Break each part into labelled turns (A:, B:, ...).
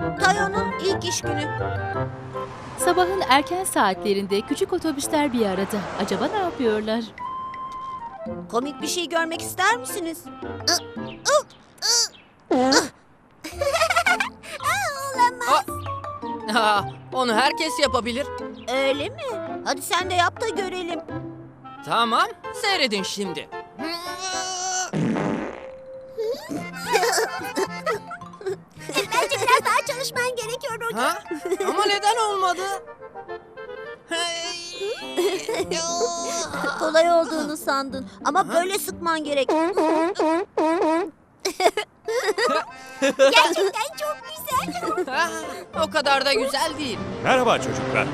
A: Tayo'nun ilk iş günü.
B: Sabahın erken saatlerinde küçük otobüsler bir arada. Acaba ne yapıyorlar?
A: Komik bir şey görmek ister misiniz?
C: Onu herkes yapabilir.
A: Öyle mi? Hadi sen de yap da görelim.
C: Tamam, seyredin şimdi.
A: Bence biraz daha çalışman gerekiyor Rogi.
C: Ha? Ama neden olmadı?
A: Kolay olduğunu sandın ama böyle sıkman gerek. Gerçekten çok güzel.
C: O kadar da güzel değil.
D: Merhaba çocuklar.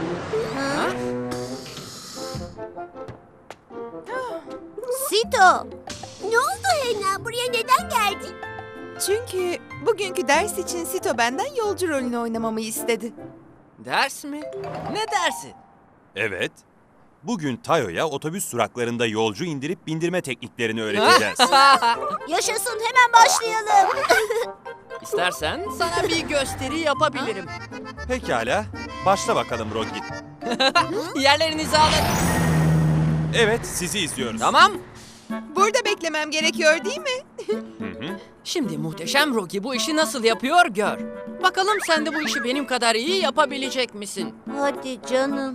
A: Sito. Ne oldu Hena? Buraya neden geldin?
E: Çünkü bugünkü ders için Sito benden yolcu rolünü oynamamı istedi.
C: Ders mi? Ne dersi?
D: Evet. Bugün Tayo'ya otobüs duraklarında yolcu indirip bindirme tekniklerini öğreteceğiz.
A: Yaşasın, hemen başlayalım.
C: İstersen sana bir gösteri yapabilirim.
D: Pekala. Başla bakalım Rogi.
C: Yerlerinizi alın.
D: Evet, sizi izliyoruz.
C: Tamam.
E: Burada beklemem gerekiyor değil mi?
C: Şimdi muhteşem Rocky bu işi nasıl yapıyor gör. Bakalım sen de bu işi benim kadar iyi yapabilecek misin?
A: Hadi canım.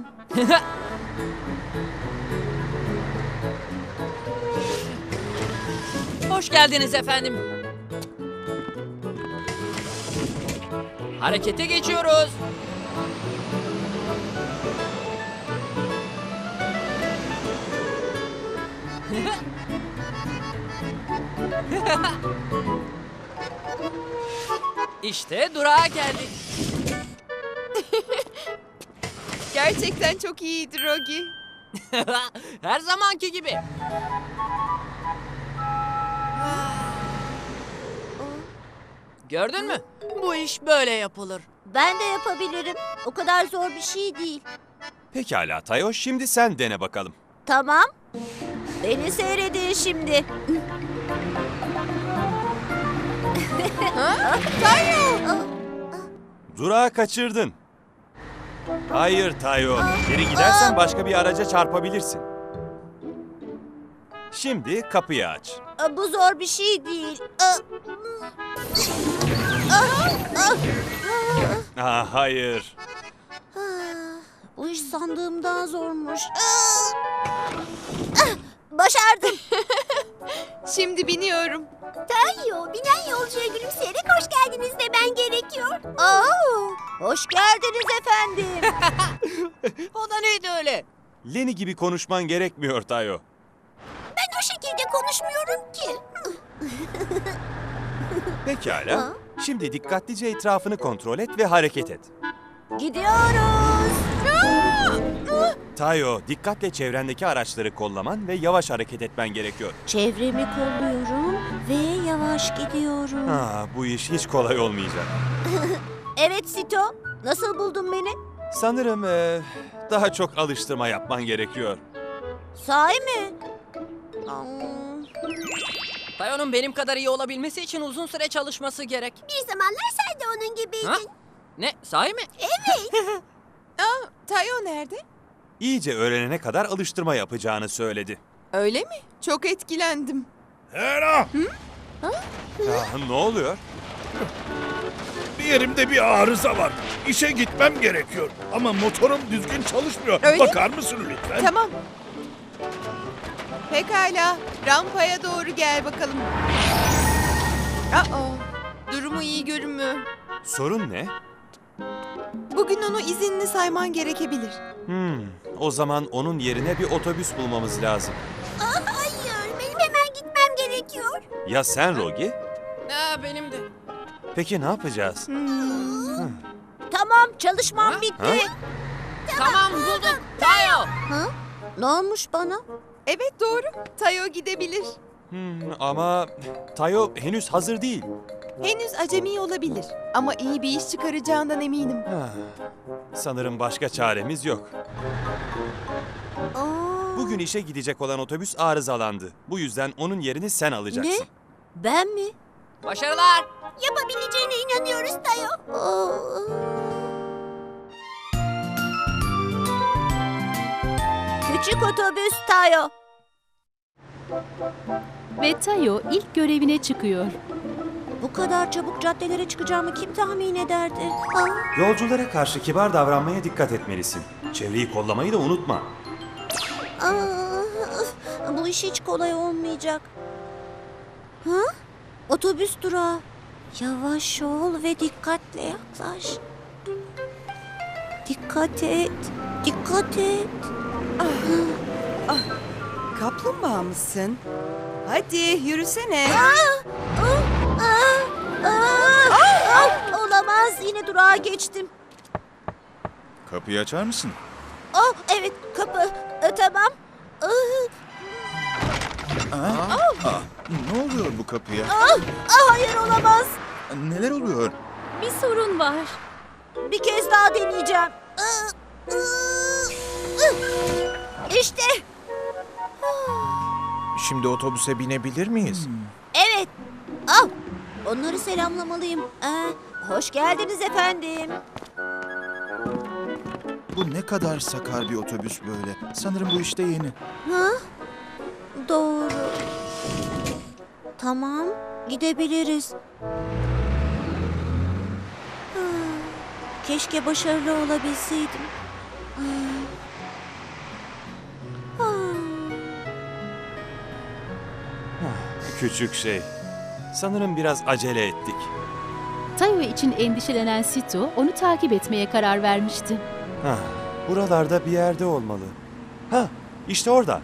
C: Hoş geldiniz efendim. Harekete geçiyoruz. İşte durağa geldik.
E: Gerçekten çok iyiydi Rogi.
C: Her zamanki gibi. Gördün mü? Bu iş böyle yapılır.
A: Ben de yapabilirim. O kadar zor bir şey değil.
D: Pekala Tayo, şimdi sen dene bakalım.
A: Tamam. Beni seyredin şimdi.
D: Durağı kaçırdın. Hayır Tayo, geri gidersen başka bir araca çarpabilirsin. Şimdi kapıyı aç.
A: Bu zor bir şey değil.
D: Hayır.
A: Bu iş sandığımdan zormuş. Başardım.
E: Şimdi biniyorum.
A: Tayo, binen yolcuya gülümseyerek hoş geldiniz demen gerekiyor. Hoş geldiniz efendim.
C: O da neydi öyle?
D: Leni gibi konuşman gerekmiyor Tayo.
A: Ben o şekilde konuşmuyorum ki.
D: Pekala. Şimdi dikkatlice etrafını kontrol et ve hareket et.
A: Gidiyoruz.
D: Tayo, dikkatle çevrendeki araçları kollaman ve yavaş hareket etmen gerekiyor.
A: Çevremi kolluyorum ve yavaş gidiyorum.
D: Bu iş hiç kolay olmayacak.
A: Evet Sito, nasıl buldun beni?
D: Sanırım daha çok alıştırma yapman gerekiyor.
A: Sahi mi?
C: Tayo'nun benim kadar iyi olabilmesi için uzun süre çalışması gerek.
A: Bir zamanlar sen de onun gibiydin.
C: Ha? Ne? Sahi mi?
E: Tayo nerede?
D: İyice öğrenene kadar alıştırma yapacağını söyledi.
E: Öyle mi? Çok etkilendim.
F: Hera!
D: Ne oluyor?
F: Bir yerimde bir arıza var. İşe gitmem gerekiyor. Ama motorum düzgün çalışmıyor.
E: Öyle
F: Bakar mısın lütfen?
E: Tamam. Pekala. Rampaya doğru gel bakalım. Durumu iyi görünmüyor.
D: Sorun ne?
E: Bugün onu izinli sayman gerekebilir.
D: O zaman onun yerine bir otobüs bulmamız lazım.
A: Hayır, benim hemen gitmem gerekiyor.
D: Ya sen Rogi?
C: Benim de.
D: Peki ne yapacağız?
A: Tamam, çalışmam bitti.
C: Tamam bulduk. Tayo.
A: Ne olmuş bana?
E: Evet doğru. Tayo gidebilir.
D: Ama Tayo henüz hazır değil.
E: Henüz acemi olabilir. Ama iyi bir iş çıkaracağından eminim.
D: Sanırım başka çaremiz yok. Bugün işe gidecek olan otobüs arızalandı. Bu yüzden onun yerini sen alacaksın.
A: Ne? Ben mi?
C: Başarılar.
A: Yapabileceğine inanıyoruz Tayo. Küçük otobüs Tayo.
B: Ve Tayo ilk görevine çıkıyor.
A: Bu kadar çabuk caddelere çıkacağımı kim tahmin ederdi? Aa,
D: Yolculara karşı kibar davranmaya dikkat etmelisin. Çevreyi kollamayı da unutma.
A: bu iş hiç kolay olmayacak. Ha? Otobüs durağı. Yavaş ol ve dikkatle yaklaş. Dikkat et. Dikkat et.
E: Kaplumbağa mısın? Hadi yürüsene.
A: Olamaz. Yine durağa geçtim.
G: Kapıyı açar mısın?
A: Oh, evet kapı. Tamam.
G: Ne oluyor bu kapıya?
A: Hayır olamaz.
G: Neler oluyor?
B: Bir sorun var.
A: Bir kez daha deneyeceğim. İşte.
G: Şimdi otobüse binebilir miyiz?
A: Evet. Onları selamlamalıyım. Hoş geldiniz efendim.
G: Bu ne kadar sakar bir otobüs böyle. Sanırım bu işte yeni.
A: Ha? Doğru. Tamam, gidebiliriz. Keşke başarılı olabilseydim.
D: Küçük şey. Sanırım biraz acele ettik.
B: Tayo için endişelenen Sito onu takip etmeye karar vermişti.
D: Buralarda bir yerde olmalı. İşte orada.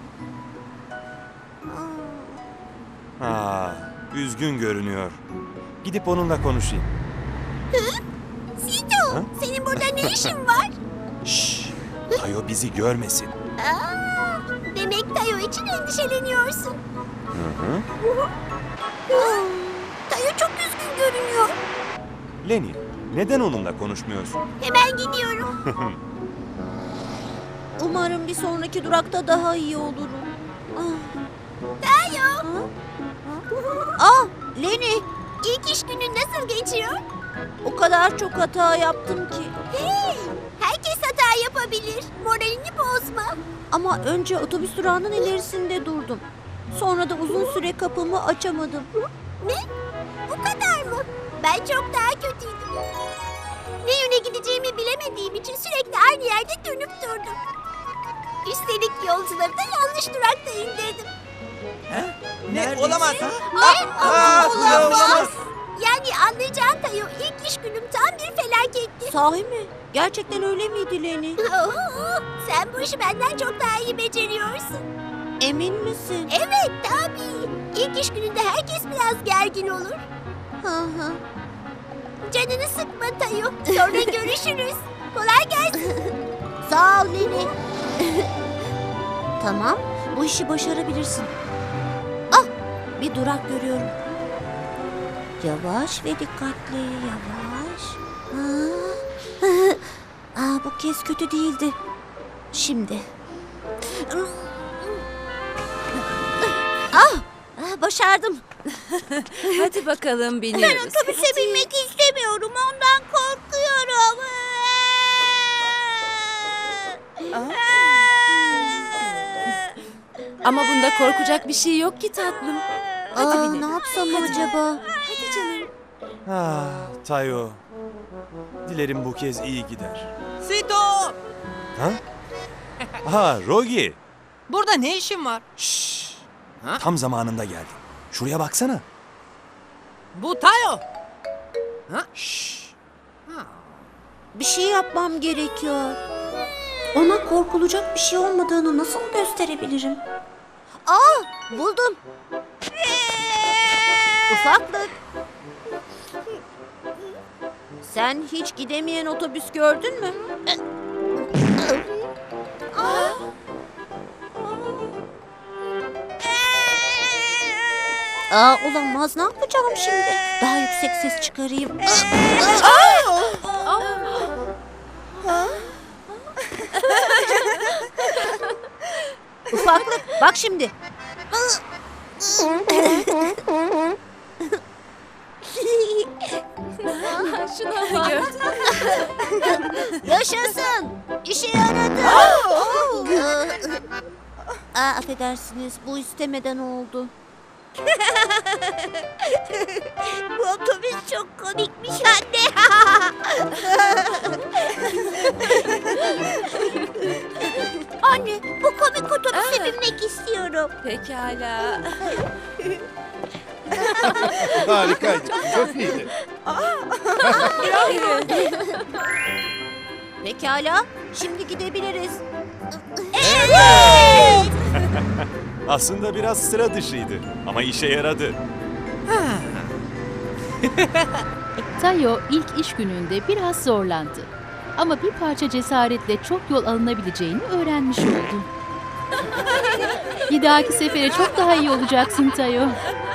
D: Üzgün görünüyor. Gidip onunla konuşayım.
A: Sito,
D: Ha?
A: senin burada ne işin var?
D: Şşş. Tayo bizi görmesin.
A: Demek Tayo için endişeleniyorsun. Tayo çok üzgün görünüyor.
D: Lenny, neden onunla konuşmuyorsun?
A: Hemen gidiyorum. Umarım bir sonraki durakta daha iyi olurum. Tayo. Lenny. İlk iş günün nasıl geçiyor? O kadar çok hata yaptım ki. Hey, herkes hata yapabilir. Moralini bozma. Ama önce otobüs durağının ilerisinde durdum. Sonra da uzun süre kapımı açamadım. Ne? Bu kadar mı? Ben çok daha kötüydüm. Ne yöne gideceğimi bilemediğim için sürekli aynı yerde dönüp durdum. Üstelik yolcuları da yanlış durakta indirdim.
E: Ne? Olamaz.
A: Olamaz. Yani anlayacağın Tayo, ilk iş günüm tam bir felaketti. Sahi mi? Gerçekten öyle miydi Lenny? Sen bu işi benden çok daha iyi beceriyorsun. Emin misin? Evet tabii. İlk iş gününde herkes biraz gergin olur. Canını sıkma Tayo. Sonra görüşürüz. Kolay gelsin. Sağ ol Lenny. Tamam, bu işi başarabilirsin. Bir durak görüyorum. Yavaş ve dikkatli, yavaş. Bu kez kötü değildi. Şimdi. Başardım.
E: Hadi bakalım
A: Ben
E: biniyoruz.
A: otobüse binmek istemiyorum. Ondan korkuyorum.
E: Ama bunda korkacak bir şey yok ki tatlım. Hadi binelim.
A: Ne yapsam acaba?
E: Hadi canım.
D: Tayo. Dilerim bu kez iyi gider.
C: Sito!
D: Rogi.
C: Burada ne işin var?
D: Şşş.
C: Ha?
D: Tam zamanında geldin. Şuraya baksana.
C: Bu Tayo.
D: Şşş.
A: Bir şey yapmam gerekiyor. Ona korkulacak bir şey olmadığını nasıl gösterebilirim? Buldum. Ufaklık. Sen hiç gidemeyen otobüs gördün mü? Olamaz. Ne yapacağım şimdi? Daha yüksek ses çıkarayım. Ufaklık, bak şimdi.
B: Şuna bak.
A: Yaşasın. İşe yaradı. Affedersiniz, bu istemeden oldu. Bu otobüs çok komikmiş anne. Anne, bu komik otobüse binmek istiyorum.
H: Pekala.
F: Harikaydı. Çok iyiydi.
A: Pekala, şimdi gidebiliriz.
D: Aslında biraz sıra dışıydı ama işe yaradı.
B: Tayo ilk iş gününde biraz zorlandı. Ama bir parça cesaretle çok yol alınabileceğini öğrenmiş oldu. Bir dahaki sefere çok daha iyi olacaksın Tayo.